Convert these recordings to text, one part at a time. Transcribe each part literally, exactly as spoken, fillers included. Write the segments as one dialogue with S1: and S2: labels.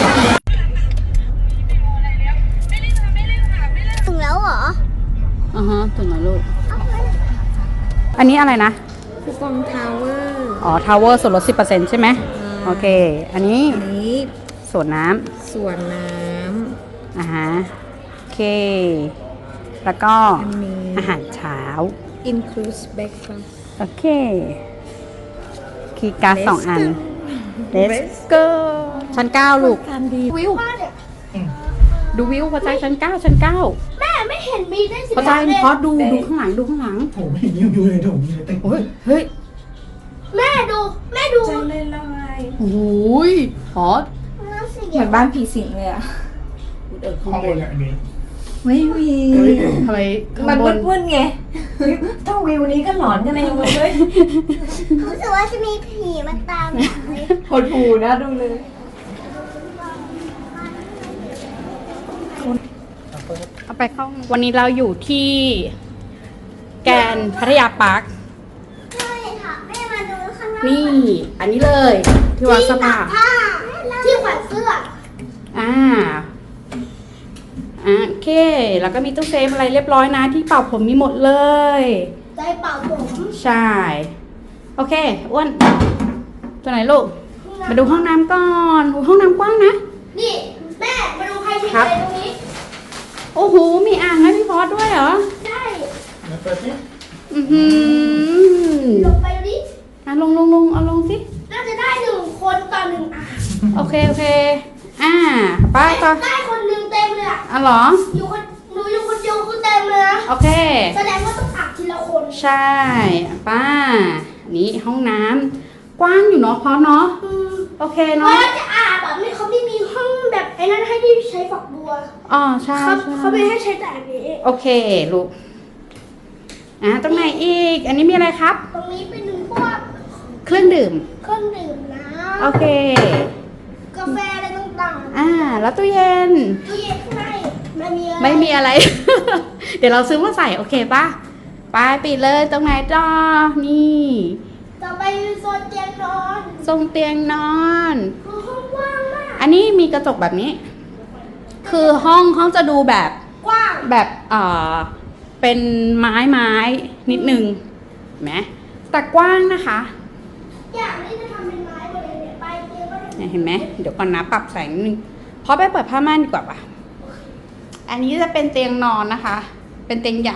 S1: ถึงแล้วเหรอ
S2: อ่าฮะถึงแล้วลูกอันนี้อะไรนะ
S1: คูปองทาวเวอร์
S2: อ๋อทาวเวอร์ส่วนลด สิบเปอร์เซ็นต์ ใช่ไหมโอเคอันนี้
S1: อันนี้
S2: สวนน้ำ
S1: สวนน้
S2: ำอ่าฮะโอเคแล้วก็อาหารเช้า
S1: include breakfast
S2: โอเคคีย์การ์ดสองอัน Let's go ชั้นเก้าลูกวิวดูวิวพอใจชั้นเก้าชั้นเก้า
S1: แม่ไม่เห็นมีได้สิ
S2: พอใจพอดูดูข้างหลังดูข้างหลัง
S3: โถไม่เห็นยิวอยู่เลยโถมีเลยเต็ม
S2: เฮ้ยเฮ้ย
S1: แม่ดูแม่ดู
S4: ใจเลยลอย
S2: โอ้ยพอ
S4: เหมือนบ้านผีสิงเลยอะ
S2: เออข้าง
S3: ห้อง
S2: บบ น
S3: นอันนี้
S4: ไม่มี
S2: ทำไม
S4: มันมืดๆไงถ้าวิวนี้ก็หลอนกันเองเลย
S1: รู้สึกว่าจะมีผีมาตามเลย
S4: หดหูนะดูเลย
S2: เอาไปเข้าวันนี้เราอยู่ที่แกรนด์พัทยาปาร์ค
S1: ใช่ค่ะแม่มาดูข้างหน้า
S2: นี่อันนี้เลยที่วางเสื้อผ้า
S1: ที่แขวนเสื้อ
S2: อ่าอ่าโอเคแล้วก็มีตู้เซฟอะไรเรียบร้อยนะที่เป่าผมมีหมดเลย
S1: ใจเป่าผม
S2: ใช่โอเคอ้วนตัวไหนลูกมาดูห้องน้ำก่อนห้องน้ำกว้างนะ
S1: นี่แม่มาดูใครเช็คอะไรตรงนี้
S2: โอ้โหมีอ่างให้พี่พอสด้วยเหรอ
S1: ใช่
S3: มาเปิดสิ
S2: อือหือ
S1: ลงไปดูดิ
S2: อ่ะลงลงลงเอาลงสิ
S1: น่าจะได้หนึ่งคนต่อหนึ่งอ่าง
S2: โอเคโอเคอ่าป้าต่อ
S1: ได้คนหนึ่งเต็มเลยอ่ะ
S2: อ๋อเหรอ
S1: อยู่คนหนูอยู่คนเดียวคือเต็มเลยนะ
S2: โอเค
S1: แสดงว่าต้องอาบทีละคน
S2: ใช่ป้านี่ห้องน้ำกว้างอยู่เนาะพอเนาะโอเคเนาะ
S1: ว่าจะอาบแบบไม่เขาไม่มีห้องแบบไอ้นั้นให้ที่ใช้ฝักบัว
S2: อ๋อใช่
S1: เขาเขาไม่ให้ใช้แต่อันนี้
S2: โอเคลูกอ่ะตรงไหนอีกอันนี้มีอะไรครับ
S1: ตรงนี้เป็นพวก
S2: เครื่องดื่ม
S1: เครื่องดื่มนะ
S2: โอเค
S1: กาแฟอะไรต่าง
S2: ๆอ่าแล้วตู้เย็น
S1: ตู้เย็นข้างในไม่มีอะไร
S2: ไม่มีอะไร เดี๋ยวเราซื้อมาใส่โอเคป่ะไปปิดเลยตรงไหนจ้านี่
S1: ต่อไปโซนเตียงนอน
S2: ทรงเตียงนอน
S1: คือห้องกว้างมาก
S2: อันนี้มีกระจกแบบนี้คือห้องห้องจะดูแบบ
S1: กว้าง
S2: แบบเอ่อเป็นไม้ไม้นิดนึงเห็นไหมแต่กว้างนะคะ
S1: อย่างนี้จะทำเป็นไม้หมดเลยเนี่ยไปเตียงก็
S2: เนี่ยเห็นไหมเดี๋ยวก่อนนะปรับแสงนิดนึงเพราะไปเปิดผ้าม่านดีกว่าป่ะอันนี้จะเป็นเตียงนอนนะคะเป็นเตียงใหญ่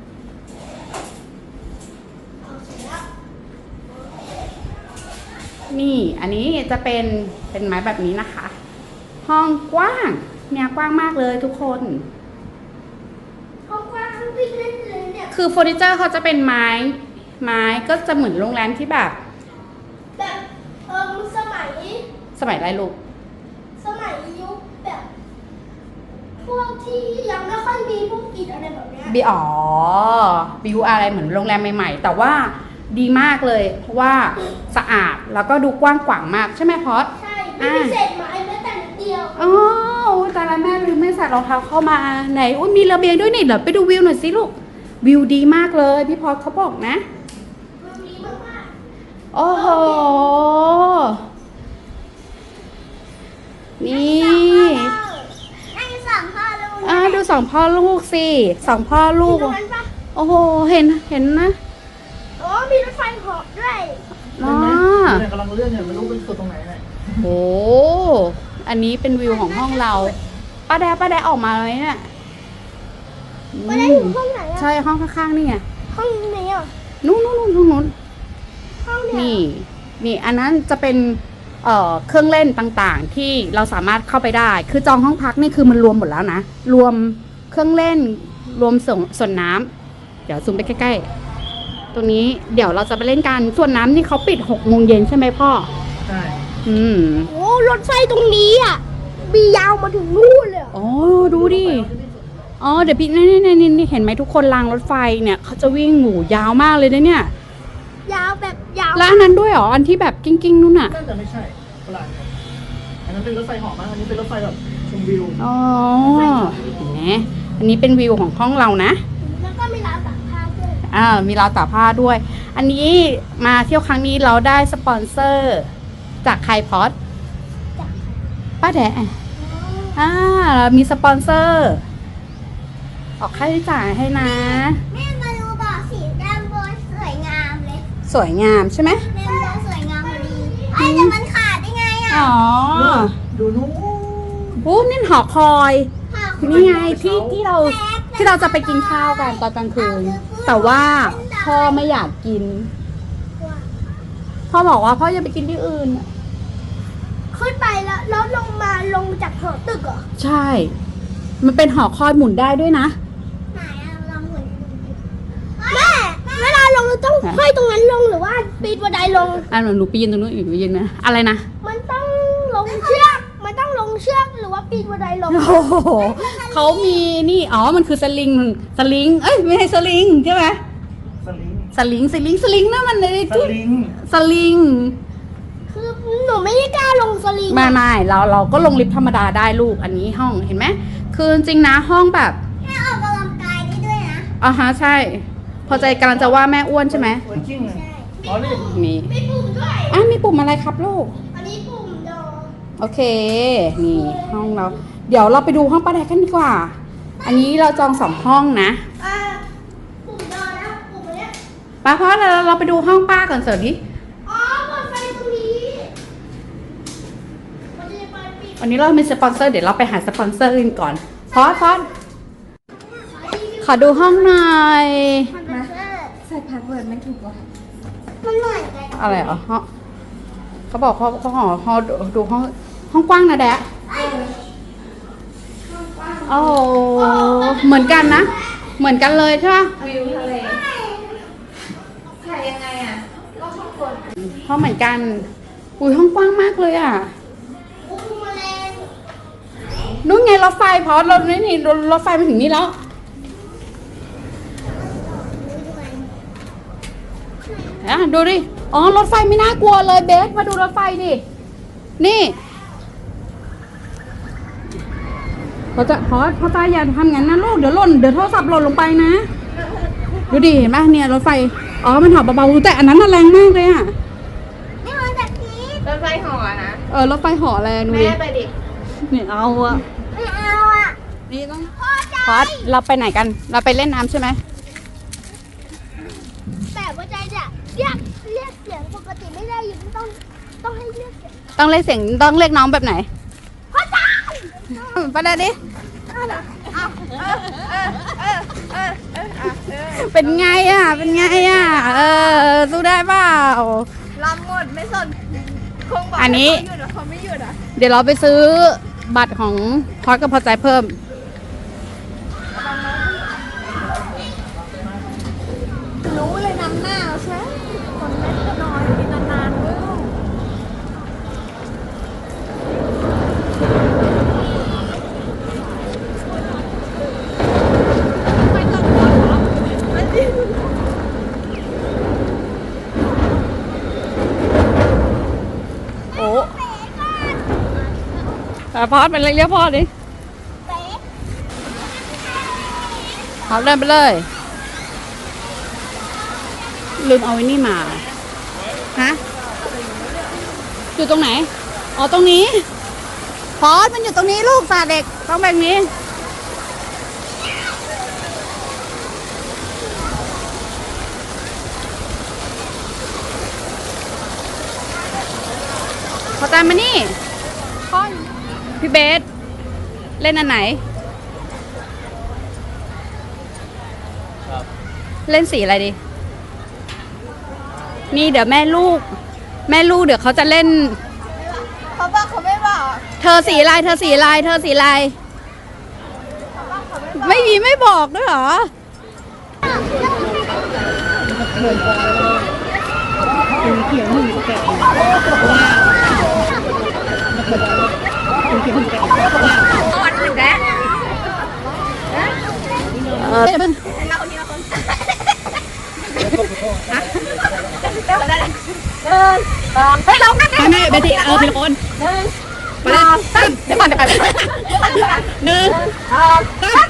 S2: นี่อันนี้จะเป็นเป็นไม้แบบนี้นะคะห้องกว้างเนี่ยกว้างมากเลยทุกคน
S1: ห้องกว้างวิ่งเล่นเลยเนี่ย
S2: คือเฟอร์นิเจอร์เขาจะเป็นไม้ไม้ก็จะเหมือนโรงแรมที่แบบ
S1: แบบเออสมัย
S2: สมัยอะไรลูก
S1: สมัยยุคแบบพวกที่ยังไม่ค่อยมีพวกอิฐอะไรแบบเนี้ย
S2: บีอ๋อบิวอะไรเหมือนโรงแรมใหม่ๆแต่ว่าดีมากเลยเพราะว่าสะอาดแล้วก็ดูกว้างขวางมากใช่ไหมพอด
S1: ใช่ไม่มีเศษไม้แม้แต่นิดเดียว
S2: อ๋อแต่ละแม่ลืมไม่ใส่รองเท้าเข้ามาไหนอุ้ยมีระเบียงด้วยนี่เดี๋ยวไปดูวิวหน่อยสิลูกวิวดีมากเลยพี่พอดเขาบอกนะ
S1: วิวดีมาก
S2: ๆโอ้โหนี่
S1: นั่งสองพ่อลูก
S2: อ่าดูสองพ่อลูกสิสองพ่อลูกโอ้โหเห็นเห็นนะ
S1: โอ้มีรถไฟเหาะด้วย
S2: อ๋อ
S3: เนี่ยกำลังเลื่อนเนี่ยไม่รู้เป็นสุดตรงไหนเลย
S2: โอ้อันนี้เป็นวิวของห้องเราป้าแดป้าแดออกมาเลยเนี่ย
S1: ป้าแดอยู่ห้องไหนอ่ะ
S2: ใช่ห้องข้างๆนี่ไง
S1: ห้องไหนอ่ะ
S2: นู้นนู้นนู้นนู้น
S1: ห้องเนี่ย
S2: นี่นี่อันนั้นจะเป็นเอ่อเครื่องเล่นต่างๆที่เราสามารถเข้าไปได้คือจองห้องพักนี่คือมันรวมหมดแล้วนะรวมเครื่องเล่นรวมส่วนส่วนน้ำเดี๋ยวซูมไปใกล้ๆตรงนี้เดี๋ยวเราจะไปเล่นกันส่วนน้ำนี่เขาปิดหกโมงเย็นใช่ไหมพ่อ
S3: ใช่
S2: อืม
S1: โอ้รถไฟตรงนี้อ่ะมียาวมาถึงนู่นเลย
S2: อ๋อดูดิอ๋อเดี๋ยวพี่นี่นี่นี่เห็นไหมทุกคนรางรถไฟเนี่ยเขาจะวิ่งหมูยาวมากเลยนะเนี่ย
S1: ยาวแบบยาว
S2: แล้วอันนั้นด้วยเหรออันที่แบบกิ้งกิ้งนู่นน่ะ
S3: น่าจะไม่ใช่เปล่าอันนั้นเป็นรถไฟเหาะมั้งอันนี้เป็นรถไฟแบบชมวิว
S2: อ๋อเห็นไหมอันนี้เป็นวิวของห้องเรานะ
S1: แล้วก็มีราวตากผ้าด้วย
S2: อ่ามีราวตากผ้าด้วยอันนี้มาเที่ยวครั้งนี้เราได้สปอนเซอร์จากใครพอดป้าแดะอ่าเรามีสปอนเซอร์ ออกค่าใช้จ่ายให้นะ
S1: แม่มาดูบ่อสีดำบนสวยงามเลย
S2: สวยงามใช่ไหม
S1: แม่บ่อสวยงามพอดีไอ้แต่มันขาดได้ไงอ่ะ
S2: อ๋อ
S3: ดูนู้น
S2: โอ้นี่หอคอย นี่ไงที่ที่เราที่เราจะไปกินข้าวกันตอนกลางคืน แต่ว่าพ่อไม่อยากกิน พ่อบอกว่าพ่อจะไปกินที่อื่น
S1: ขึ้นไปแล้วแล้วลงมาลงจากหอตึกเหรอ
S2: ใช่ มันเป็นหอคอยหมุนได้ด้วยนะ
S1: ไหนอะลองหมุนแม่เวลาลงเราต้องห้อยตรงนั้นลงหรือว่าปีนบันไดลง
S2: อันหนูไปยืนตรงนู้นอีกไปยืนนะอะไรนะ
S1: มันต้องลงเชือก มันต้องลงเชือกหรือว่าปีนบันไดลง
S2: โอ้โหเขามีนี่ อ๋อ มันคือสลิง สลิง เอ้ย ไม่ใช่สลิงใช่ไหม
S3: สลิง
S2: สลิง สลิง สลิงนั่นมันเลย
S3: สลิง
S2: สลิง
S1: คือหนูไม่ได้กล้าลงสลิง
S2: ไม่ไม่เราเราก็ลงลิฟต์ธรรมดาได้ลูก อันนี้ห้อง เห็นไหม คือจริงๆนะห้องแบบ
S1: แม่ออกกำลังกายได้ด้วยนะ
S2: อ่าฮะ ใช่ พอใจกำลังจะว่าแม่อ้วนใช่ไหม
S3: สวยจริงเลยอ๋อนี่
S2: มี
S1: มีปุ่มด้วย
S2: อ่ะมีปุ่มอะไรครับลูก
S1: อันนี้ปุ่มดอ
S2: โอเค นี่ห้องเรา เดี๋ยวเราไปดูห้องป้าแดกกันดีกว่า อันนี้เราจองสองห้องนะ
S1: อ่าปุ่มดอนะปุ่มอันเนี้ย
S2: ป้าเพราะเราเราไปดูห้องป้าก่อนเสิร์ฟดิ
S1: อ๋อเปิดไฟตรงนี้มันจะเปิดปิด
S2: วันนี้เรามีสปอนเซอร์ เดี๋ยวเราไปหาสปอนเซอร์กันก่อนพอดพอดขอดูห้องหน่อย
S1: มันเป็นเสื้อ
S4: ใส่พาสเวิร์ดไม่ถูกเหรอ
S1: มันเหมือนกัน
S2: อะไรเหรอห้องเขาบอกเขาเขาหอห้องดูห้องห้องกว้างนะแดะโอ้โหเหมือนกันนะ เหมือนกันเลยใช่ปะ
S4: วิวทะเลถ่ายยังไงอ่ะก็ข้างบน
S2: ห้องเหมือนกัน อุ้ยห้องกว้างมากเลยอ่ะ
S1: อุ้มแมลง
S2: นู่นไงรถไฟพอรถนี่นี่รถรถไฟมาถึงนี่แล้วอ่ะดูดิ อ๋อ รถไฟไม่น่ากลัวเลยเบส มาดูรถไฟดิ นี่เขาจะพอพอตาอย่าทำงั้นนะลูก เดี๋ยวหล่น เดี๋ยวโทรศัพท์หล่นลงไปนะ ดูดิ เห็นไหมเนี่ยรถไฟ อ๋อ มันหอบเบาๆ แต่อันนั้นน่ะแรงมากเลยอ่ะ
S1: นี่มันแบบนี้
S4: รถไฟห่อนะ
S2: เออ รถไฟเหอแรงดูดิ
S4: แม่ไปดิ
S2: เนี่ยเอาอะ
S1: ไม่เอาอ่ะ
S2: นี่ต้อง
S1: พ่อใจ
S2: พอดเราไปไหนกัน เราไปเล่นน้ำใช่ไหม
S1: แต่ว่าใจจะเรียกเรียกเสียงปกติไม่ได้อยู่ต้องต้องให้เรียกเสียง
S2: ต้องเรียกเสียงต้องเรียกน้องแบบไหน
S1: พ่อใจ
S2: ไปเลยดิ เป็นไงอ่ะ เป็นไงอ่ะ เออ สู้ได้เปล่า
S4: ลำหมดไม่สน คงบอก
S2: อันนี้
S4: ให้เขาหยุดอะเขาไม่หยุดอ่ะ
S2: เดี๋ยวเราไปซื้อบัตรของพอดกับพอใจเพิ่ม
S4: รู้เลยนำหน้าเราใช่คนแม่ก็นอนกินนานๆเว้ย
S2: โอ้แต่พอดเป็นเรียกพ่อดิ
S1: เป๊ะ
S2: เอาเดินไปเลย ลืมเอาไว้นี่มา ฮะ อยู่ตรงไหน อ๋อ ตรงนี้ พอดมันอยู่ตรงนี้ลูกสาเด็ก ต้องแบบนี้ พอใจมานี่พ่อพี่เบส เล่นอันไหน เล่นสีอะไรดี นี่เดี๋ยวแม่ลูก แม่ลูกเดี๋ยวเขาจะเล่น
S4: เขาบอกเขาไม่บอก
S2: เธอสีอะไร เธอสีอะไร เธอสีอะไร ไม่มีไม่บอกด้วยเหรอ
S4: วันหนึ่งแล้ว
S2: เออเป็น
S4: เราคนนี้เราคน
S2: เฮ้ยเราไม่ไม่เบทีเออทีละคนไปเลยตั้งเดี๋ยวก่อนเดี๋ยวก่อนหนึ่งสองสาม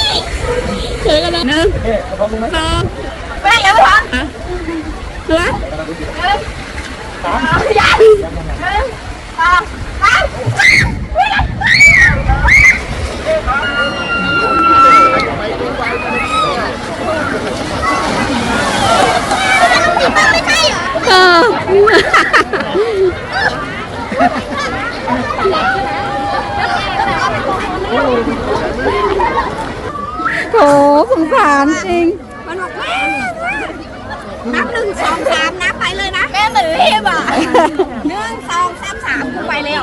S2: เจอกันแล้วหนึ่งสอง
S4: แม่ยังไม่ทัน
S2: เหลือเออโถสงสารจริง
S4: มันบอกแม่นับหนึ่งสองสามนับไปเลยนะแม่เหมือนรีบอ่ะหนึ่งสองสามสามกูไปแล้ว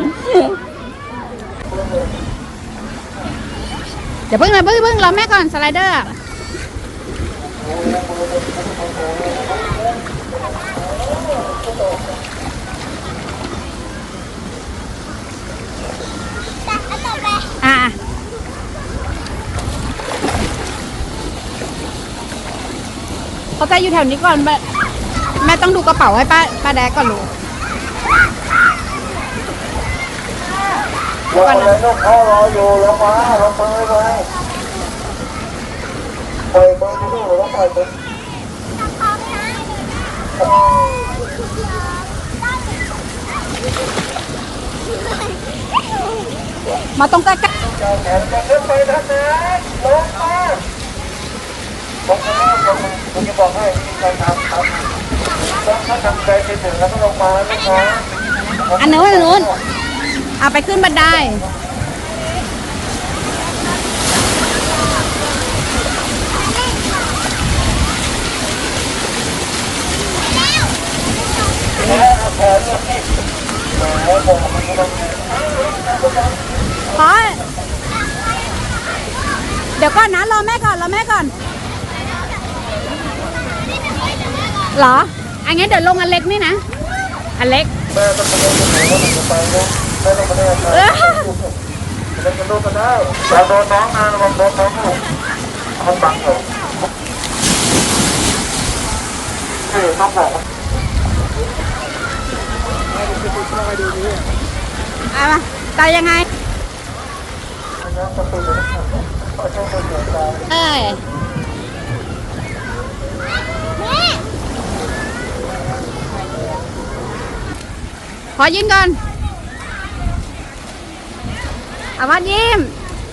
S2: เดี๋ยวเพิ่งนะเพิ่งเพิ่งรอแม่ก่อนสไลเดอร์อะอ่ะเขาใจอยู่แถวนี้ก่อนแม่แม่ต้องดูกระเป๋าให้ป้าป้าแดกก่อนลูก
S5: ลงมาเลยลูกพ่อรออยู่ลงมาลงมือไปปล่อยมือที่ลูกแล้วปล่อยมือ
S2: มาตรงใกล้
S5: เจ้าแขนจะขึ้นไปทางนั้นลงมาลงมาลงมาคุณจะบอกให้มีการทำครับต้องถ้าทำใจไปถึงแล้วก็ลงมาลูกนะ
S2: ๆอันนู้นอันนู้นเอาไปขึ้นบันได
S5: แล้วเอาแขนเนี่ยแหมบอกมันก็ต้อง
S2: พอเดี๋ยวก่อนนะรอแม่ก่อนรอแม่ก่อนเหรออันงั้นเดี๋ยวลงอันเล็กนี่นะอันเล็ก
S5: แม่ต้องไปเล่นกับหนูว่าหนูไปลูกแม่ต้องไปเล่นกับหนูเล่นกับลูกก็ได้อย่าโดนน้องนะระวังโดนน้องลูกมันบังอยู่เฮ้ยต้องบอก
S2: เอามาตายยังไงเอ้ยขอยิ้มก่อนเอามายิ้ม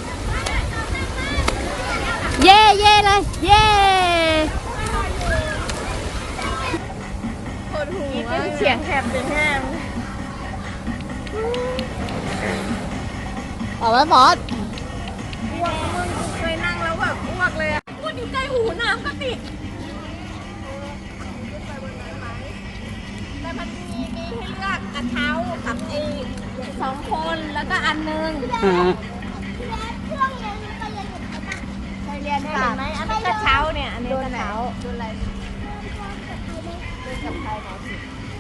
S2: เย่เย่เลยเย่
S4: เสียงแหบเป็นแห้ง
S2: เอาไว้บอส
S4: อ้วกมึงเคยนั่งแล้วแบบอ้วกเลยอ่ะพูดอยู่ใกล้หูน้ำก็ติดแต่มันมีมีให้เลือกกระเช้ากับไอ้สองคนแล้วก็อันหนึง
S2: อ่า
S4: เคยเรียนค่ะไหมอันนี้กระเช้าเนี่ยอันนี้กระเช้าดูอะไรดูกับใครหมอสิ